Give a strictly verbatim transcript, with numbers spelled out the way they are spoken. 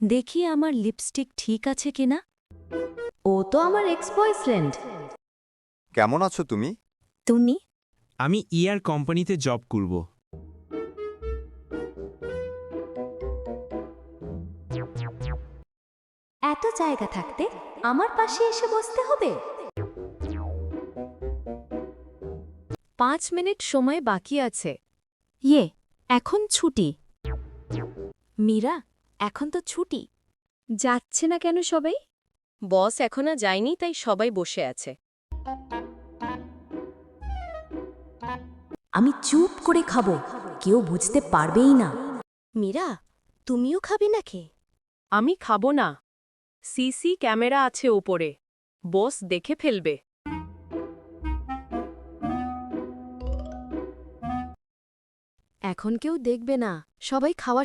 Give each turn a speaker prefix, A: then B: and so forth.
A: দেখি আমার লিপস্টিক ঠিক আছে কিনা।
B: ও তো আমার এক্স বয়ফ্রেন্ড।
C: কেমন আছো তুমি?
A: তুমি?
D: আমি ইয়ার কোম্পানিতে জব করব।
B: এত জায়গা থাকতে আমার পাশে এসে বসতে হবে?
A: পাঁচ মিনিট সময় বাকি আছে। ইয়ে, এখন ছুটি। মীরা, এখন তো ছুটি। যাচ্ছে না কেন সবাই? বস এখনো যায়নি, তাই সবাই বসে আছে।
B: আমি চুপ করে খাবো, কেউ বুঝতে পারবেই না।
A: মীরা, তুমিও খাবে নাকি? আমি খাবো না। সিসি ক্যামেরা আছে ওপরে, বস দেখে ফেলবে। এখন কেউ দেখবে না, সবাই খাওয়া